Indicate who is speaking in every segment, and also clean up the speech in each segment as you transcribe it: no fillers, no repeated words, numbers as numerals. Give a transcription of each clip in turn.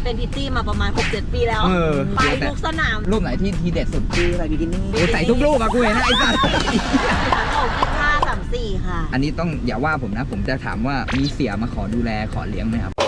Speaker 1: เป็นพิตตี้มาประมาณ 6-7 ปีแล้วไปทุกสนาม
Speaker 2: รูปไหนที่ทีเด็ดสุด
Speaker 3: คืออะไรบิกินี่
Speaker 2: ใส่ทุกรูปอะกูเห็นนะไอ้สัส
Speaker 1: 25-34 ค่ะ
Speaker 2: อันนี้ต้องอย่าว่าผมนะผมจะถามว่ามีเสียมาขอดูแลขอเลี้ยงไหมครับ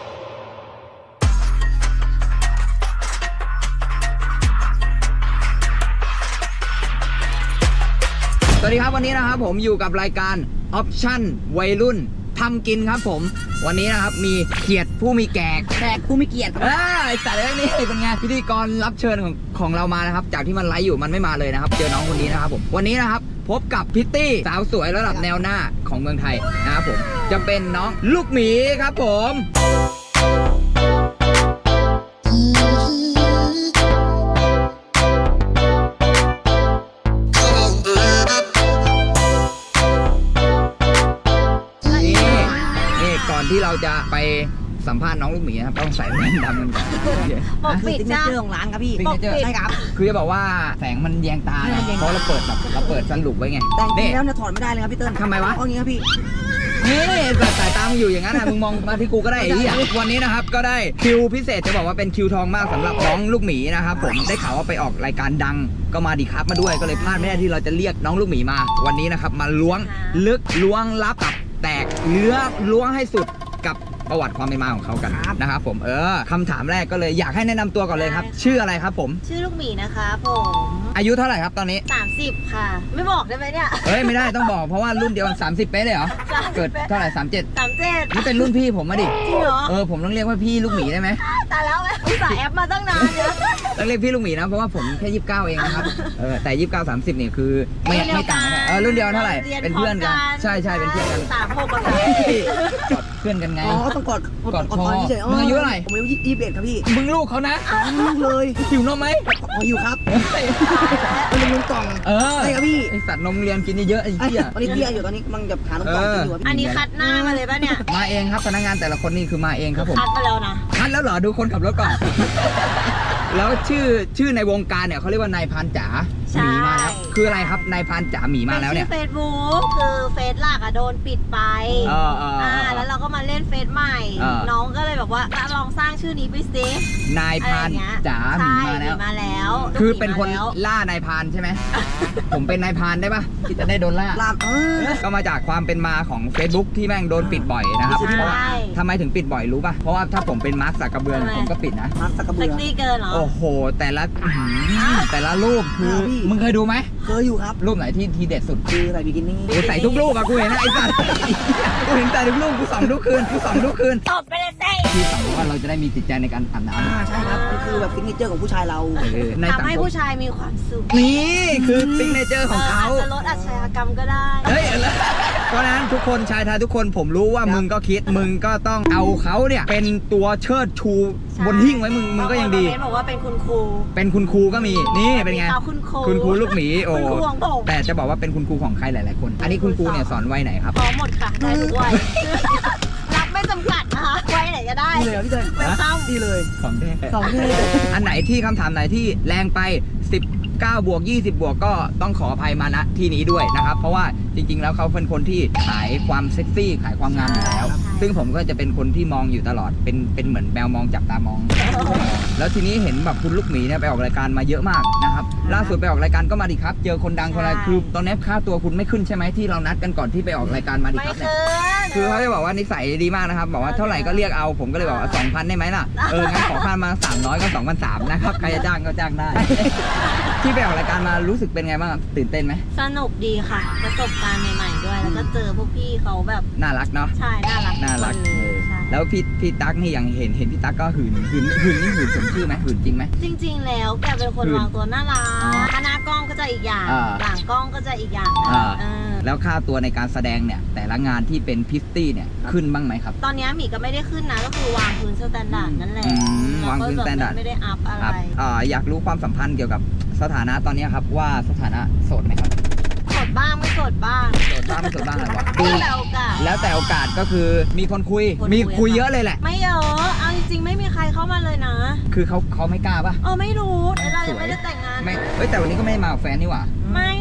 Speaker 2: สวัสดีครับวันนี้นะครับผมอยู่กับรายการออปชั่นวัยรุ่นทำกินครับผมวันนี้นะครับมีเกียรติผู้มีแขก
Speaker 3: ผู้มีเกียรติ
Speaker 2: ไอ้สัตว์เรื่องนี้เป็นไงพิธีกรรับเชิญของเรามานะครับจากที่มันไลฟ์อยู่มันไม่มาเลยนะครับเจอน้องคนนี้นะครับผมวันนี้นะครับพบกับพิตตี้สาวสวยระดับแนวหน้าของเมืองไทยนะครับผมจะเป็นน้องลูกหมีครับผมก่อนที่เราจะไปสัมภาษณ์น้องลูกหมีนะครับต้องใส่แว่นดำกันก่อน
Speaker 1: ปกปิดจ้า
Speaker 3: ของร้านครับพี่
Speaker 1: ใช่ครับ
Speaker 2: คือจะบอกว่าแสงมันแยงตาเพราะเราเปิดสรุปไว้ไง
Speaker 3: แต่จริงแล้วเนี่ยถอดไม่ได้เลยครับพี่เติ้ล
Speaker 2: ทำไมวะ
Speaker 3: เพราะงี้ครับพี่
Speaker 2: นี่สายตามึงอยู่อย่างนั้นนะมึงมองมาที่กูก็ได้ไอ้เหี้ยวันนี้นะครับก็ได้คิวพิเศษจะบอกว่าเป็นคิวทองมากสำหรับน้องลูกหมีนะครับผมได้ข่าวว่าไปออกรายการดังก็มาดีครับมาด้วยก็เลยพลาดไม่ได้ที่เราจะเรียกน้องลูกหมีมาวันนี้นะครับมาล้วงลึกล้วงลับตับแตกเนื้อล้วงให้สุดกับประวัติความเป็นมาของเขากันนะครับผมคำถามแรกก็เลยอยากให้แนะนำตัวก่อนเลยครับชื่ออะไรครับผม
Speaker 1: ชื่อลูกหมีนะคะผม
Speaker 2: อายุเท่าไหร่ครับตอนนี้
Speaker 1: 30ค่ะไม่บอกได้ไหมเนี่ย
Speaker 2: ไม่ได้ต้องบอกเพราะว่ารุ่นเดียวกัน30เป๊ะเลยเหรอเกิดเท่าไหร่37นี่เป็นรุ่นพี่ผมมาดิ
Speaker 1: จริงเหรอ
Speaker 2: ผมต้องเรียกว่าพี่ลูกหมีได้ไหม
Speaker 1: ตายแล้วไหมอุตส่าห์แอปมาตั้งนานเนี่ย
Speaker 2: ต้องเรียกพี่ลูกหมีนะเพราะว่าผมแค่29เองนะครับแต่29 30เนี่ยคือไม่ต่างกันรุ่นเดียวเท่าไหร่เป็นเพื่อนกันใช่เป็นเพื่อนกัน
Speaker 1: 36กัน
Speaker 2: เพื่อนกันไง
Speaker 3: ต้องกอด
Speaker 2: คอมึงอายุเท่าไหร่
Speaker 3: ผมอายุ21ครับพี่
Speaker 2: มึงลูกเขานะ
Speaker 3: ลูกเลย
Speaker 2: หิวนมไหม
Speaker 3: หิวครับมันนมกล่องใช่ครับพี่
Speaker 2: ไอสัตว์นมเรียนกินเยอะไอ้เหี้ย
Speaker 3: ตอนนี้เตี้ยอยู่ตอนนี้มันจะหานมกล่องกินอยู่
Speaker 1: อันนี้คัดหน้ามาเลยป่ะเนี่ย
Speaker 2: มาเองครับพนักงานแต่ละคนนี่คือมาเองครับผม
Speaker 1: คัดมาแล้วนะ
Speaker 2: คัดแล้วเหรอดูคนขับรถก่อนแล้วชื่อในวงการเนี่ยเขาเรียกว่านายพานจ๋าหมีมาแล้วคืออะไรครับนายพานจ๋าหมีมาแล้วเนี่ย
Speaker 1: เฟซบุ๊กคือเฟซหลักอะโดนปิดไปแล้วเราก็มาเล่นเฟซใหม่น้องก็เลยแบบว่าลองสร้างชื่อนี้ไปซิ
Speaker 2: นายพานจ๋าหมี
Speaker 1: มาแล้ว
Speaker 2: คือเป็นคนล่านายพานใช่ไหมผมเป็นนายพานได้ปะที่จะได้โดนล่าก็มาจากความเป็นมาของ Facebook ที่แม่งโดนปิดบ่อยนะครับเพราะว่าทำไมถึงปิดบ่อยรู้ป่ะเพราะว่าถ้าผมเป็นมาร์คซักกระเบือผมก็ปิดนะ
Speaker 3: มาร์คซักกระเบือ
Speaker 1: เซ็กซี่เกินเหรอ
Speaker 2: โอ้โหแต่ละรูปคือมึงเคยดูไหม
Speaker 3: เคยอยู่ครับ
Speaker 2: รูปไหนที่ทีเด็ดสุด
Speaker 3: คืออะไรบิกินี่
Speaker 2: ใส่ทุกรูปอะกูเห็นนะไอ้สัสกูเห็นแต่ทุกรูปกูส่องทุกคืน
Speaker 1: ตบไปเลยสิ
Speaker 2: ที่สองว่าเราจะได้มีจิตใจในการอาบน้
Speaker 3: ำใช่ครับคือแบบซิกเนเจอร์ของผู้ชายเรา
Speaker 1: ทำให้ผู้ชายมีความสุข
Speaker 2: นี่คือซิกเนเจอร์ของเขา
Speaker 1: จะลดอาชญากรรมก็ได้
Speaker 2: เพราะนั้นทุกคนชายไทยทุกคนผมรู้ว่ามึงก็คิดมึงก็ต้องเอาเขาเนี่ยเป็นตัวเชิดชูบนหิ้งไว้มึงก็ยังดี
Speaker 1: บอกว่าเป็นคุณครู
Speaker 2: ก็มีนี่เป็นไงคุณครูลูกหมีโอ้แต่จะบอกว่าเป็นคุณครูของใครหลายๆคนอันนี้คุณครูเนี่ยสอนวัยไหนครับ
Speaker 1: หมดค่ะได้ทุกวัยรับไม่จำกัดนะคะวัยไหนก็ได้
Speaker 3: ดีเลยพี่เจน
Speaker 1: ไม่ต้อง
Speaker 3: ดีเลย
Speaker 2: 2 เท่อันไหนที่คำถามไหนที่แรงไป19 บวก 20 บวกก็ต้องขออภัยมาณที่นี้ด้วยนะครับเพราะว่าจริงๆแล้วเขาเป็นคนที่ขายความเซ็กซี่ขายความงามอยู่แล้วซึ่งผมก็จะเป็นคนที่มองอยู่ตลอดเป็นเหมือนแมวมองจับตามองแล้วทีนี้เห็นแบบคุณลูกหมีเนี่ยไปออกรายการมาเยอะมากนะครับล่าสุดไปออกรายการก็มาดีครับเจอคนดังคนอะไรคือตอนนี้ค่าตัวคุณไม่ขึ้นใช่ไหมที่เรานัดกันก่อนที่ไปออกรายการมาดีครับเนี่ยคือเขาจะบอกว่านิสัยดีมากนะครับบอกว่าเท่าไหร่ก็เรียกเอาผมก็เลยบอกว่า 2,000 ได้ไหมล่ะงั้นขอค่ามา300ก็ 2,300 นะครับใครจะจ้างก็จ้างได้ที่ไปออกรายการมารู้สึกเป็นไงบ้างตื่นเต้นไหม
Speaker 1: สนุกดีค่ะประสบการณ์ใหม่ๆด้วยแล้วก็เจอพวกพี่เขาแบบ
Speaker 2: น่ารักเนาะ
Speaker 1: ใช่น่ารัก
Speaker 2: แล้วพี่ตั๊กนี่อย่างเห็นพี่ตั๊กก็หื่นนี่หื่นสมชื่อไหมหื่นจริงไหม
Speaker 1: จริงๆแล้วแกเป็นคนวางตัวน่ารักหน้ากล้องก็จะอีกอย่างหลังกล้องก็จะอีกอย่าง
Speaker 2: แล้วค่าตัวในการแสดงเนี่ยแต่ละงานที่เป็นพิตตี้เนี่ยขึ้นบ้างไหมครับ
Speaker 1: ตอนนี้หมีก็ไม่ได้ขึ้นนะก็คือวางพื้นสแตนดาร์ดนั่นแหละ
Speaker 2: วางพื้นสแตนดาร์ด
Speaker 1: ไม่ได้อัพอะไร
Speaker 2: อยากรู้ความสัมพันธ์เกี่ยวกับสถานะตอนนี้ครับว่าสถานะโสดไหมครับ
Speaker 1: โสดบ้างไม่โสดบ้าง
Speaker 2: ไม่โสดบ้างอะไรวะ
Speaker 1: แล้วแต่โอกาส
Speaker 2: ก็คือมีคนคุยเยอะเลยแหละ
Speaker 1: ไม่เยอะเอาจริงๆไม่มีใครเข้ามาเลยนะ
Speaker 2: คือเขาไม่กล้าป่ะ
Speaker 1: ไม่รู้เรายังไม่ได้แต่งงาน
Speaker 2: แต่วันนี้ก็ไม่ได้มากับแฟนนี่หว่า
Speaker 1: ไม่นี่ก็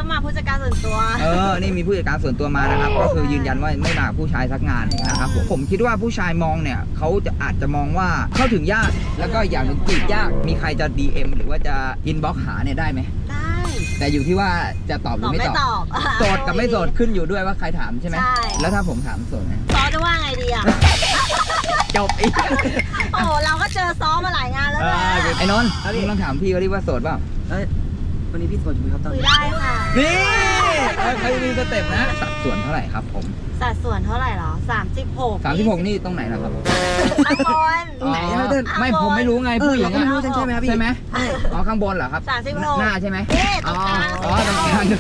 Speaker 1: มาผู้จัดการส่วนตัว
Speaker 2: นี่มีผู้จัดการส่วนตัวมานะครับ ก็คือยืนยันว่าไม่มากับผู้ชายสักงานนะครับผมคิดว่าผู้ชายมองเนี่ยเขาจะอาจจะมองว่าเข้าถึงยากแล้วก็อย่างหนึ่งจีบยากมีใครจะ DM หรือว่าจะอินบ็อกหาเนี่ยได้ไหม
Speaker 1: ได้
Speaker 2: แต่อยู่ที่ว่าจะตอบหรือไม่ตอบ โสดกับไม่โสดขึ้นอยู่ด้วยว่าใครถามใช่ไหม
Speaker 1: ใช่
Speaker 2: แล้วถ้าผมถามโสดไหม
Speaker 1: ซอจะว่าไงดีอ่ะ
Speaker 2: จบอีก
Speaker 1: โอ้เราก็เจอซ้อมาหลายงานแล้วนะ
Speaker 2: ไอ้นนท์มึงลองถามพี่เขาดิว่าโสดเปล่า
Speaker 3: วันนี้พี่โสดอยู่ไหมครับตอน
Speaker 1: คุย
Speaker 3: นี้
Speaker 1: ได้ค่ะ
Speaker 2: นี่ใครมีสเต็ปนะสัดส่วนเท่าไหร่ครับผม
Speaker 1: สัดส่วนเท่าไหร่หรอ
Speaker 2: 36นี่ตรงไหนนะครับ
Speaker 1: ข้างบน
Speaker 3: ตรงไหนนะพี่เติ้ล
Speaker 2: ไม่ผมไม่รู้ไงผู้หญิง
Speaker 3: เราก็ไม่รู้ใช่ไหมครับพี่
Speaker 2: ใช่ไหมอ๋อข้างบนเหรอครับ
Speaker 1: 36
Speaker 2: หน้าใช่ไหม
Speaker 1: นี่ตรงกลาง
Speaker 2: อ๋อตรงกลาง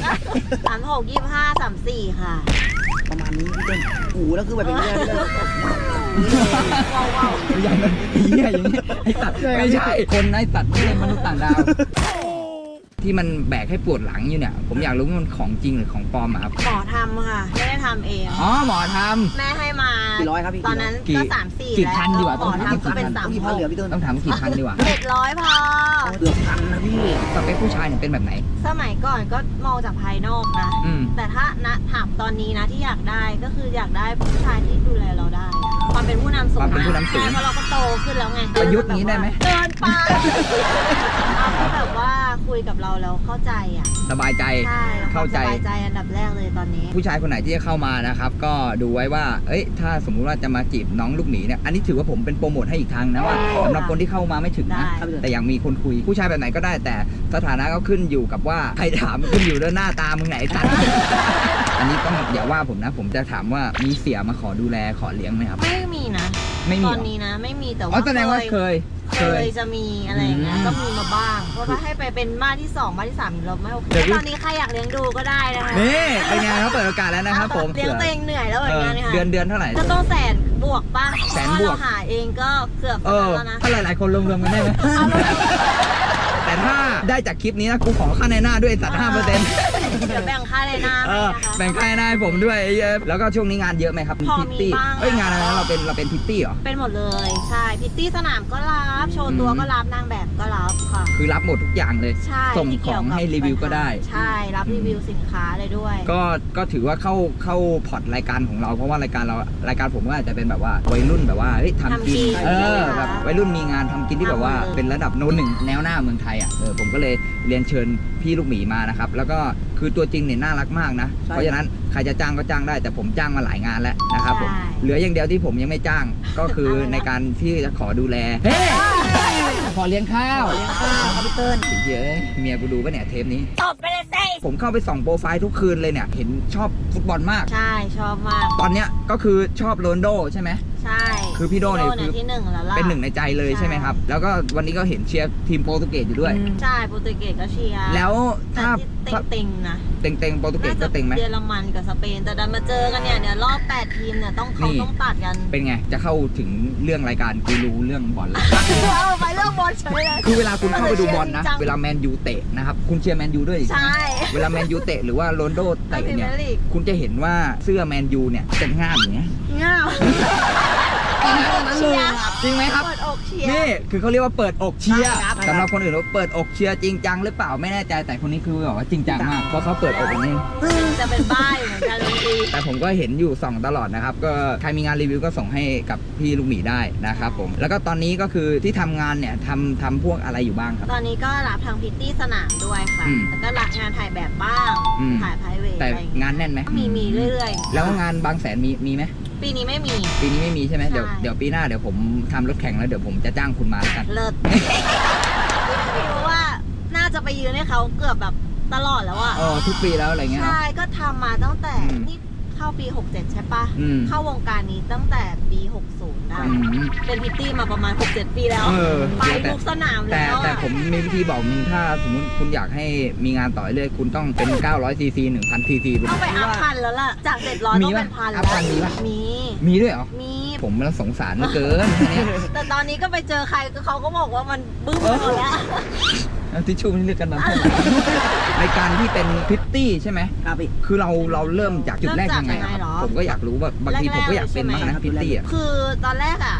Speaker 1: 36 25 34ค่ะ
Speaker 3: ประมาณนี้พี่เติ้ลโอ้โหแล้วคือแบบอย่างเงี้ยพี่เติ้ล
Speaker 1: ว้าว
Speaker 2: อย่างนั้นเหี้ยอย่างนี้ไอ้สัตว์ไม่ใช่คนไอ้สัตว์ไม่ใช่มนุษย์ต่างดาว ที่มันแบกให้ปวดหลังอยู่เนี่ย ผมอยากรู้ว่ามันของจริงหรือของปลอมอะครับ
Speaker 1: หมอทำค่ะ ไม่ได้ทำเอง
Speaker 2: อ๋อหมอท
Speaker 1: แม่ให้มา
Speaker 3: กี่ร้อยครับพี่
Speaker 1: ตอนนั้น
Speaker 2: กี่
Speaker 1: ก็3-4
Speaker 2: กี่พันดีกว่า
Speaker 1: หมอทำก็เป็น
Speaker 3: ต้องกี่พันเหลือพี่เติ้ล
Speaker 2: ำต้องถามกี่พันดีกว่า
Speaker 1: 700พอ
Speaker 3: เกือบพันนะพี่
Speaker 2: สเปคผู้ชายเนี่ยเป็นแบบไหน
Speaker 1: สมัยก่อนก็มองจากภายนอกนะ
Speaker 2: อืม
Speaker 1: แต่ถ้าณถามตอนนี้นะที่อยากได้ก็คืออยากได้ผู้ชายที่ดูแลเราได้อะความเป็นผู้นำสูง
Speaker 2: ความเป็นผู้นำสูง
Speaker 1: ใช่เพราะเราก็โตขึ้นแล้วไง
Speaker 2: ประยุทธ์นี้ได้ไหม
Speaker 1: เกินไปเอาที่แบบว่าคุยกับเราแล้วเข้าใจอ่ะ
Speaker 2: สบายใจ
Speaker 1: ใช่
Speaker 2: เข้าใจ
Speaker 1: สบายใจอันดับแรกเลยตอนนี้
Speaker 2: ผู้ชายคนไหนที่จะเข้ามานะครับ ก็ดูไว้ว่า เอ้ย ถ้าสมมุติว่าจะมาจีบน้องลูกหมีเนี่ย อันนี้ถือว่าผมเป็นโปรโมทให้อีกทางนะว่าสำหรับคนที่เข้ามาไม่ถึงนะ
Speaker 1: ได้
Speaker 2: แต่ยังมีคนคุย ผู้ชายแบบไหนก็ได้ แต่สถานะก็ขึ้นอยู่กับว่าใครถามขึ้นอยู่ด้วยหน้าตามึงไหนตัด อันนี้ต้องอย่าว่าผมนะ ผมจะถามว่ามีเสียมาขอดูแลขอเลี้ยงไหมครับ
Speaker 1: ไม่มีนะ
Speaker 2: ไม่มี
Speaker 1: ต
Speaker 2: เหร
Speaker 1: อน
Speaker 2: อ
Speaker 1: นี้นะไม่มีแต่
Speaker 2: อ๋อ
Speaker 1: ว่า
Speaker 2: แสดงว่าเคย
Speaker 1: จะมีอะไรอย่างเงี้ย
Speaker 2: อืม
Speaker 1: ก็มีมาบ้างเพราะว่าให้ไปเป็นบ้านที่2บ้านที่3เราไม่โอเค
Speaker 2: เดี๋ยว
Speaker 1: ตอนนี้ใครอยากเลี้ยงดูก็ได้นะคะ
Speaker 2: นี่เป็นไงเขาเปิดโอกาสแล้วนะครับผม
Speaker 1: เลี้ยงตัวเองเหนื่อยแล้วเหมือนกันค่ะ
Speaker 2: เดือนเท่าไหร่
Speaker 1: ก็ต้องแสนบวกป่ะ
Speaker 2: แสนบวก
Speaker 1: เพราะาเราหาเองก็เกือบ
Speaker 2: เออ
Speaker 1: แล้วนะ
Speaker 2: ถ้าหลายๆคนรวมๆกันได้ไหม แต่ถ้าได้จากคลิปนี้นะกูขอค่าในหน้าด้วยสัตว์5%
Speaker 1: เดี๋ยวแบ่งค่าเลยนะให้นะคะ
Speaker 2: แบ่งค่าในหน้าให้ผมด้วยไอ้เหี้ยแล้วก็ช่วงนี้งานเยอะไหมครับ
Speaker 1: พอ
Speaker 2: พิต
Speaker 1: มี
Speaker 2: ตี้
Speaker 1: บ้าง
Speaker 2: เอ้ยงานอะไรนะเราเป็นพิตตี้เหรอ
Speaker 1: เป็นหมดเลยใช่พิตตี้สนามก็รับโชว์ตัวก็รับนางแบบก็รับค่ะ
Speaker 2: คือรับหมดทุกอย่างเลย
Speaker 1: ใช่
Speaker 2: ส่ง
Speaker 1: ที่
Speaker 2: ข
Speaker 1: เกี่
Speaker 2: อย ง
Speaker 1: กับ
Speaker 2: ให้รีวิวก็ได้
Speaker 1: ใช่รับรีวิวสินค้าเลยด้วย
Speaker 2: ก็ถือว่าเข้าพอร์ตรายการของเราเพราะว่ารายการผมก็อาจจะเป็นแบบว่าวัยรุ่นแบบว่าเฮ้ยทำกิน
Speaker 1: ทำกิน
Speaker 2: แบบวัยรุ่นมีงานทำกินที่แบบว่า
Speaker 1: ทำเลย
Speaker 2: เป็นระดับโน้นหนึ่งแนวหน้าเมืองไทยอ่ะผมก็เลยเรียนเชิญพี่ลูกหมีมานะครับแล้วก็คือตัวจริงเนี่ยน่ารักมากนะ
Speaker 3: ใช่
Speaker 2: เพราะฉะนั้นใครจะจ้างก็จ้างได้แต่ผมจ้างมาหลายงานแล้วนะครับผม
Speaker 1: ใช่
Speaker 2: เหลืออย่างเดียวที่ผมยังไม่จ้างก็คือในการที่จะขอดูแลเฮ้ขอเลี้ยงข้าว
Speaker 3: เลี้ยงข้าวครับพี่เติ้ล
Speaker 2: เย้ยเมียกูดูปะเนี่ยเทปนี้
Speaker 1: ตบไปเลยสิ
Speaker 2: ผมเข้าไปส่องโปรไฟล์ทุกคืนเลยเนี่ย เห็นชอบฟุตบอลมาก
Speaker 1: ใช่ชอบมาก
Speaker 2: ตอนเนี้ยก็คือชอบโรนลโดใช่ไหม
Speaker 1: ใช่
Speaker 2: คือพี่โด่เนี่ยคือ
Speaker 1: ที่หนึ่งแล้วล่ะ
Speaker 2: เป็นหนึ่งในใจเลยใช่ไหมครับ แล้วก็วันนี้ก็เห็นเชียร์ทีมโปรตุเกสอยู่ด้วย
Speaker 1: ใช่โปรตุเกสก็เชียร์
Speaker 2: แล้ว
Speaker 1: แต่
Speaker 2: ถ้า
Speaker 1: ที่เต็งๆนะ
Speaker 2: เต็งโปรตุเกสก็เต็งไหม
Speaker 1: เยอรมันกับสเปนแต่ดันมาเจอกันเนี่ยเดี๋ยวรอบ8ทีมเนี่ยต้องเขา
Speaker 2: นี่
Speaker 1: ต้องตัดกัน
Speaker 2: เป็นไง จะเข้าถึงเรื่องรายการกูรู้เรื่องบอลแล้ว
Speaker 1: เอาไปเรื่องบอลเฉยเลย
Speaker 2: คือเวลาคุณเข้าไปดูบอลนะ
Speaker 1: จัง
Speaker 2: เวลาแมนยูเตะนะครับ คุณเชียร์แมนยูด้วยใช่ไหม
Speaker 1: ใช่
Speaker 2: เวลาแมนยูเตะหรือว่าโรนลโดเตะเนี่ย
Speaker 1: พรีเมียร์ลีก
Speaker 2: คุณจะเห็นว่าเสื้อแมนยูเนี่ยจะง่ามอย่างเงี้ย
Speaker 1: เงา
Speaker 3: นั้นเลยครับ
Speaker 2: จริงไหมครับ
Speaker 1: เปิดอกเชียร์
Speaker 2: นี่คือเขาเรียกว่าเปิดอกเชียร์
Speaker 3: ใช่ครับ
Speaker 2: สำหรับคนอื่นว่าเปิดอกเชียร์จริงจังหรือเปล่าไม่แน่ใจแต่คนนี้คือแบบว่าจริงจังมากเพราะเขาเปิดอกอย่างนี้
Speaker 1: จะเป็นบ้าอยู่เหมือนกันเลยดี
Speaker 2: แต่ผมก็เห็นอยู่ส่องตลอดนะครับก็ใครมีงานรีวิวก็ส่งให้กับพี่ลูกหมีได้นะครับผมแล้วก็ตอนนี้ก็คือที่ทำงานเนี่ยทำพวกอะไรอยู่บ้างครับ
Speaker 1: ตอนนี้ก็รับทางพิตตี้สนามด้วยค่ะ
Speaker 2: อืม
Speaker 1: แล้วก็รับงานถ่ายแบบบ้าง
Speaker 2: อืม
Speaker 1: ถ่ายไพรเวท
Speaker 2: แต่
Speaker 1: อะไรอย่างเงี้ย
Speaker 2: งานแน่นไหม
Speaker 1: มีเรื่อยๆ
Speaker 2: แล้วงานบางแสนมีไหม
Speaker 1: ปีนี้ไม่มี
Speaker 2: ปีนี้ไม่มีใช่ไหม
Speaker 1: ใช่
Speaker 2: เดี๋ยวปีหน้าเดี๋ยวผมทำรถแข่งแล้วเดี๋ยวผมจะจ้างคุณมาแล้วกัน
Speaker 1: เลิศพี่รู้ว่าน่าจะไปยืนให้เขาเกือบแบบตลอดแล้วอะ
Speaker 2: ทุกปีแล้วอะไรเงี้ยเนอะ
Speaker 1: ใช่ก็ทำมาตั้งแต่
Speaker 2: อืม
Speaker 1: นี่เข้าปี 67 ใช่ปะ
Speaker 2: อืม
Speaker 1: เข้าวงการนี้ตั้งแต่ปี 60 ได้
Speaker 2: อืม
Speaker 1: เป็นพิตตี้มาประมาณ 6-7 ปีแล้ว
Speaker 2: เออ
Speaker 1: ไปทุกสนาม
Speaker 2: แต่
Speaker 1: แล้ว
Speaker 2: แต่
Speaker 1: อะ
Speaker 2: ผมมีวิธีบอกมึงถ้าสมมติคุณอยากให้มีงานต่อเรื่อยคุณต้องเป็น900 cc 1,000 cc
Speaker 1: ต้องไปอัพพันแล้วล่ะ จาก 700
Speaker 2: มี
Speaker 1: ต้อง
Speaker 2: ปะ
Speaker 1: เป็นพัน
Speaker 2: อั
Speaker 1: แล้
Speaker 2: พพันมี
Speaker 1: ว
Speaker 2: ปะ
Speaker 1: มี
Speaker 2: มีด้วยเหรอ
Speaker 1: มี
Speaker 2: ผมมันสงสารเหลือเกินแค่เนี้ย
Speaker 1: แต่ตอนนี้ก็ไปเจอใครก็เขาก็บอกว่ามันบึ้มไปหมดแล้ว
Speaker 2: เอาทิชชู่นี่เรียกกันน้ำท่วมรายการที่เป็นพิตตี้ใช่ไหม
Speaker 3: ครับพี่
Speaker 2: คือเราเริ่มจากจุดแรกยังไงอะครับผมก็อยากรู้ว่าบางทีผมก็อยากเป็นบ้างนะครับพิตตี้อ่ะ
Speaker 1: คือตอนแรกอะ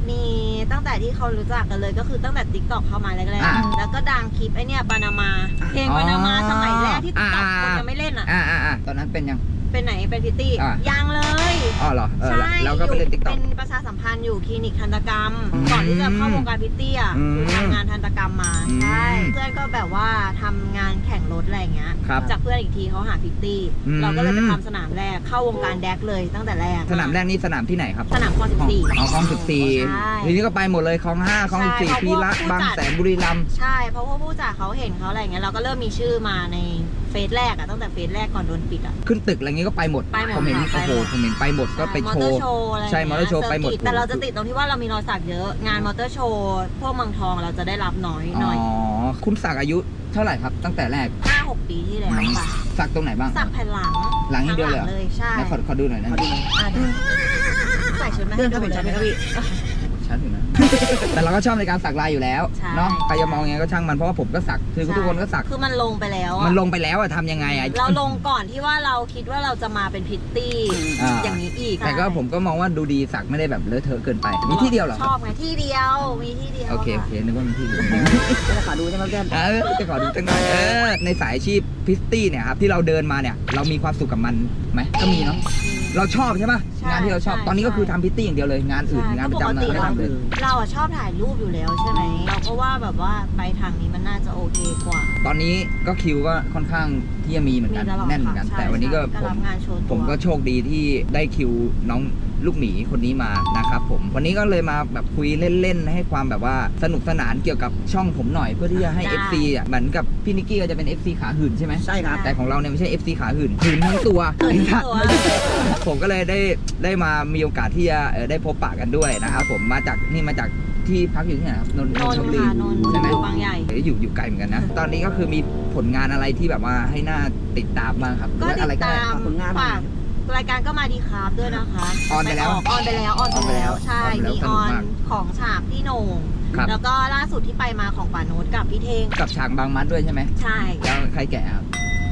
Speaker 1: มีตั้งแต่ที่เขารู้จักกันเลยก็คือตั้งแต่ TikTok เข้ามาแรกๆแล้วก็ดังคลิปไอเนี่ยปานามาเพลงปานามาสมัยแรกที่ TikTok คนยังไม่เล่นอ่ะ
Speaker 2: ตอนนั้นเป็นยัง
Speaker 1: เป็นไหนเป็นพิตตี้ยังเลย
Speaker 2: อ๋อเหรอ
Speaker 1: ใช่
Speaker 2: แล้วก็ไปเล่น TikTok
Speaker 1: เป็นประชาสัมพันธ์อยู่คลินิกทันตกรรมก่อนที่จะเข้าวงการพิตตี้อ่ะคือทำงานทันตกรรมมาใช่เพื่อนก็แบบว่าทำงานแข่งรถอะไรอย่างเงี้ยจากเพื่อนอีกทีเขาหาพิตตี้เราก็เลยไปทำสนามแรกเข้าวงการแดกเลยตั้งแต่แรก
Speaker 2: สนามแรกนี่สนามที่ไหนครับ
Speaker 1: สนามคลอง14
Speaker 2: คลอง14ทีนี้ก็ไปหมดเลยคลอง5คลอง14พีระบางแสนบุรีรัมย์
Speaker 1: ใช่เพราะว่าผู้จัดเขาเห็นเขาอะไรเงี้ยเราก็เริ่มมีชื่อมาในเฟสแรกอะตั้งแต่เฟสแรกก่อนโดนปิดอะ
Speaker 2: ขึ้นตึกอะไรเงี้ยก็ไปหมดผมเห็นโอ้โหผมเห็นไปหมดก็ไปโชว์ใช่มอเตอร์โชว์ไปหมด
Speaker 1: แต่เราจะติดตรงที่ว่าเรามีรอยสักเยอะงานมอเตอร์โชว์พวกเมืองทองเราจะได้รับน้อยหน่อย
Speaker 2: อ๋อคุณสักอายุเท่าไหร่ครับตั้งแต่แรก
Speaker 1: 5-6 ปีที่แล้วค่ะ
Speaker 2: สักตรงไหนบ้าง
Speaker 1: สักแผ่นหลัง
Speaker 2: อย่างเดียวเลย
Speaker 1: ใช่
Speaker 2: ขอดูหน่อยนะ
Speaker 1: ใส่ชุดมาให้ดูเลย
Speaker 2: ชัดอยู่นะแต่เราก็ชอบในการสักลายอยู่แล้วเนาะใครจะมองยังไงก็ช่างมันเพราะว่าผมก็สักคือทุกคนก็สัก
Speaker 1: คือมันลงไปแล้ว
Speaker 2: อะทำยังไงอะ
Speaker 1: เราลงก่อนที่ว่าเราคิดว่าเราจะมาเป็นพิตตี้อย่างนี้อีก
Speaker 2: แต่ก็ผมก็มองว่าดูดีสักไม่ได้แบบเลอะเทอะเกินไปมีที่เดียวเหรอ
Speaker 1: ชอบไงที่เดียวมีที่เดียว
Speaker 2: โอเคนึกว่ามีที่เดียว
Speaker 3: จะขอดูใช่ไหมแก้ม
Speaker 2: จะขอดูจังหน่อยในสายอาชีพพิตตี้เนี่ยครับที่เราเดินมาเนี่ยเรามีความสุขกับมันไหมก็มีเนาะเราชอบใช่ป่ะงานที่เราชอบตอนนี้ก็คือทำพิตตี้อย่างเดียวเลยงานอื่นงานประจำเราไม่ทำเลย
Speaker 1: เราชอบถ่ายรูปอยู่แล้วใช่ไหมเราก็ว่าแบบว่าไปทางนี้มันน่าจะโอเคกว่า
Speaker 2: ตอนนี้ก็คิวก็ค่อนข้างที่จะมีเหมือนกันแน่นเหมือนกันแต่วันนี้ก็ผมก็โชคดีที่ได้คิวน้องลูกหมีคนนี้มานะครับผมวันนี้ก็เลยมาแบบคุยเล่นๆให้ความแบบว่าสนุกสนานเกี่ยวกับช่องผมหน่อยเพื่อที่จะให้ FC อ่ะเหมือนกับพี่นิกกี้ก็จะเป็น FC ขาหื่นใช่ไหม
Speaker 3: ใช่ครับ
Speaker 2: แต่ของเราเนี่ยไม่ใช่ FC ขาหื่นทั้งตัวผมก็เลยได้มามีโอกาสที่จะได้พบปะกันด้วยนะครับผมมาจากที่พักอยู่ที่ไหนครับนนทบุรี
Speaker 1: ใช่ไหมบางใหญ่
Speaker 2: อยู่ไกลเหมือนกันนะตอนนี้ก็คือมีผลงานอะไรที่แบบว่าให้น่าติดตามบ้างครับ
Speaker 1: ก็ติดตามผลงานรายการก็มาดีครับด้วยนะคะ
Speaker 2: ออนไปแล้ว
Speaker 1: ใช่มีออนของฉากพี่โหน่งแล้วก็ล่าสุดที่ไปมาของป่าโน้ตกับพี่เท่ง
Speaker 2: กับฉากบางมัดด้วยใช่ไหม
Speaker 1: ใช่
Speaker 2: แล้วใครแก่ครับ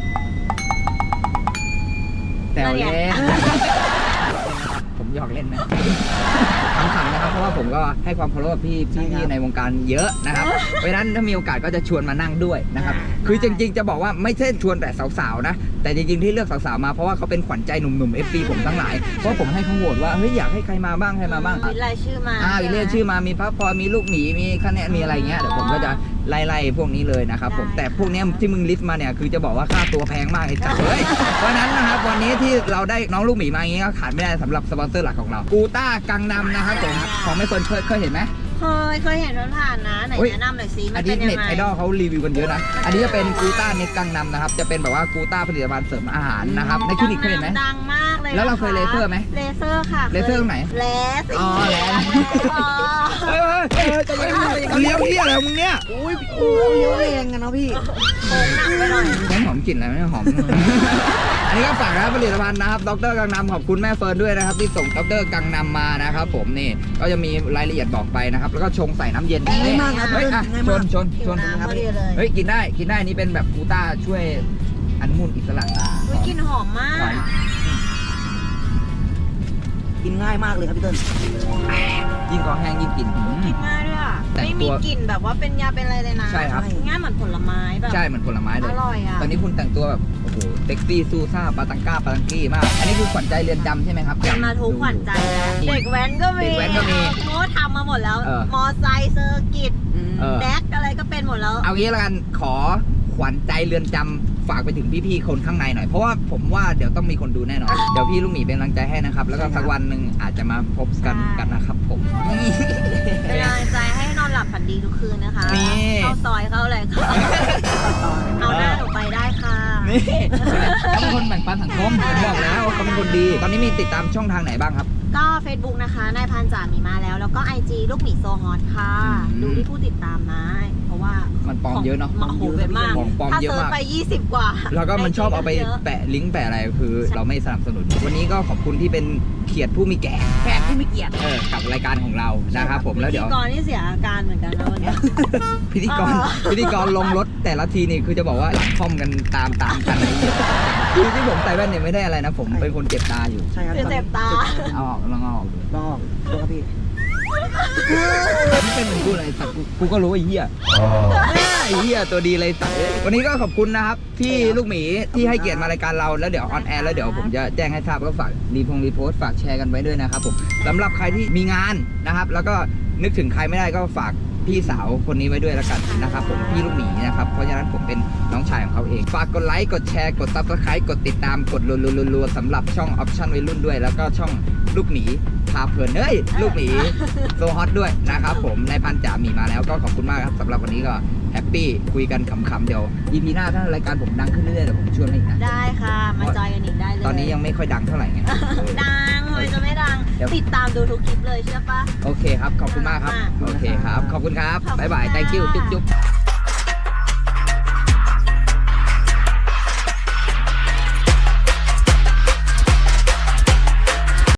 Speaker 2: แต่เล่นผมหยอกเล่นนะขำๆนะครับเพราะว่าผมก็ให้ความเคารพพี่ในวงการเยอะนะครับเพราะฉะนั้นถ้ามีโอกาสก็จะชวนมานั่งด้วยนะครับคือจริงๆจะบอกว่าไม่ใช่ชวนแต่สาวๆนะแต่จริงๆที่เลือกสาวๆมาเพราะว่าเขาเป็นขวัญใจหนุ่มๆ FC ผมทั้งหลายเพราะผมให้เขาโหวตว่าเฮ้ยอยากให้ใครมาบ้าง
Speaker 1: วิไลชื่อมา
Speaker 2: วิไลชื่อมามีพักพรมีลูกหมีมีคะแนนมีอะไรเงี้ยเดี๋ยวผมก็จะไล่พวกนี้เลยนะครับผมแต่พวกนี้ที่มึงลิสต์มาเนี่ยคือจะบอกว่าค่าตัวแพงมากไอ้จ๋าเฮ้ยเพราะนั้นนะครับวันนี้ที่เราได้น้องลูกหมีมาอย่างงี้ก็ขาดไม่ได้สำหรับสปอนเซอร์หลักของเรากูต้ากังนำนะครับผมของไม่เคยเห็นไหม
Speaker 1: เคยเห็นผ่านนะไหนแนะนำหน่อยซิมันเป็นยังไง
Speaker 2: เน็ตไอดอลเขารีวิวกันเยอะนะอันนี้จะเป็นกูต้าเน็ตกังนำนะครับจะเป็นแบบว่ากูต้าผลิตภัณฑ์เสริมอาหารนะครับในคลินิกเคยเห็นไหม
Speaker 1: ดังมากเลย
Speaker 2: แล้วเราเคยเลเซอร์ไหม
Speaker 1: เลเซอร์ค่ะ
Speaker 2: เลเซอร์ตรงไหน
Speaker 1: เลส
Speaker 2: อ๋อเลสเลี้ยวที่อะไรมึงเนี่ย
Speaker 3: เลี้ยวแรงกันเนาะพี่
Speaker 1: หนักไปหน่อย
Speaker 2: ไม่หอมกลิ่นอะไรไม่หอมอันนี้ก็ฝากนะผลิตภัณฑ์นะครับดร.กังนำขอบคุณแม่เฟิร์นด้วยนะครับที่ส่งดร.กังนำมานะครับผมนี่ก็จะมีรายละเอียดบอกไปนะครับแล้วก็ชงใส่น้ำเย็น
Speaker 3: ง่ายมากครับ
Speaker 2: เฮ้ยชน
Speaker 1: ครับ
Speaker 2: เฮ้ยกินได้นี่เป็นแบบกูต้าช่วยอนุมูลอิสระ
Speaker 1: กลิ่นหอมมาก
Speaker 3: กินง่ายมากเลยครับพี่เติ้ล
Speaker 2: ยิ่งคอแห้งยิ่งกิน
Speaker 1: ง่ายด้วยอ่ะไม่มีกลิ่นแบบว่าเป็นยาเป็นอะไรเลยนะ
Speaker 2: ใช่ครับ
Speaker 1: ง่ายเหมือนผลไม้แบบ
Speaker 2: ใช่เหมือนผลไม้เลย
Speaker 1: อร่อยอ่ะ
Speaker 2: ตอนนี้คุณแต่งตัวแบบโอ้โหเซ็กซี่ซูซ่าปาตังกี้มากอันนี้คือขวัญใจเรือนจำใช่ไหมครับ
Speaker 1: มาทุกขวัญใจเด็กแว้นก็มีโม้ทำมาหมดแล้วมอไซค์เซอร์กิตแดกอะไรก็เป็นหมดแล้ว
Speaker 2: เอางี้ละกันขอขวัญใจเรือนจำฝากไปถึงพี่ๆคนข้างในหน่อยเพราะว่าผมว่าเดี๋ยวต้องมีคนดูแน่นอนเดี๋ยวพี่ลูกหมีเป็นกำลังใจให้นะครับแล้วก็สักวันหนึ่งอาจจะมาพบกันนะครับผม
Speaker 1: เป็นกำลังใจให้นอนหลับฝันดีทุกคืนนะคะเข้าซอยเข้าอะไรค่ะเอาหน้าหนูไปได้ค่ะ
Speaker 2: นี่เขาเป็นคนแบ่งปันสังคมผมบอกแล้วว่าเขาเป็นคนดีตอนนี้มีติดตามช่องทางไหนบ้างครับ
Speaker 1: ก็ Facebook นะคะนายพันจ่ามีมาแล้วก็ IG ลูกหมีโซฮอตค่ะดูที่ผู้ติดตามนะเพราะว่า
Speaker 2: มันปลอมเยอะเนาะ
Speaker 1: โอ้โหเป็นมากถ้าเซิร์ชไป20กว่า
Speaker 2: แล้วก็มันชอบเอาไปแปะลิงก์แปะอะไรคือเราไม่สนับสนุนวันนี้ก็ขอบคุณที่เป็นเขียดผู้มีแก่
Speaker 1: แขกผู้มีเกียรติ
Speaker 2: กับรายการของเรานะครับผมแล้วเดี๋ยว
Speaker 1: พิธีกรนี่เสียอาการเหมือนกันนะวันนี้
Speaker 2: พิธีกรลงรถแต่ละทีนี่คือจะบอกว่าหลังคอมกันตามกันอะไรอย่างเงี้ยคือที่ผมใส่แว่นเนี่ยไม่ได้อะไรนะผมเป็นคนเจ็บตาอยู่
Speaker 3: ใช่ครับ
Speaker 1: เจ็บตา
Speaker 2: เอาออกลองออก
Speaker 3: ครับพี่
Speaker 2: ไม่เป็นเหมือนกูเลยสัตว์กูก็รู้ไอ้เหี้ยไอ้เหี้ยตัวดีเลยสัตว์วันนี้ก็ขอบคุณนะครับที่ลูกหมีที่ให้เกียรติมารายการเราแล้วเดี๋ยวออนแอร์แล้วเดี๋ยวผมจะแจ้งให้ทราบก็ฝากรีโพสต์ฝากแชร์กันไว้ด้วยนะครับผมสำหรับใครที่มีงานนะครับแล้วก็นึกถึงใครไม่ได้ก็ฝากพี่สาวคนนี้ไว้ด้วยแล้วกันนะครับผมพี่ลูกหมีนะครับเพราะฉะนั้นผมเป็นน้องชายของเขาเองฝากกดไลค์กดแชร์กด Subscribe กดติดตามกดรัวๆสำหรับช่อง Option วัยรุ่นด้วยแล้วก็ช่องลูกหมีพาเพลินลูกหมีโซฮอตด้วยนะครับผมในพันจ่าหมีมาแล้วก็ขอบคุณมากครับสำหรับวันนี้ก็แฮปปี้คุยกันขำๆเดี๋ยว EP หน้าถ้ารายการผมดังขึ้นเรื่อยๆเดี๋ยวผมชวนมาอีกนะ
Speaker 1: ได้ค่ะมาจอยกันอีกได้เลย
Speaker 2: ตอนนี้ยังไม่ค่อยดังเท่าไหร่ไง
Speaker 1: ดังเลยจะไม่ดัง
Speaker 2: เดี๋ยว
Speaker 1: ติดตามดูทุกคลิปเลยเชื่อปะ
Speaker 2: โอเคครับขอบคุณมากครับ
Speaker 1: มาก
Speaker 2: โอเคครับขอบคุณครับ
Speaker 1: ขอบคุณ
Speaker 2: บ๊ายบาย
Speaker 1: ค่ะ
Speaker 2: thank you จุ๊บ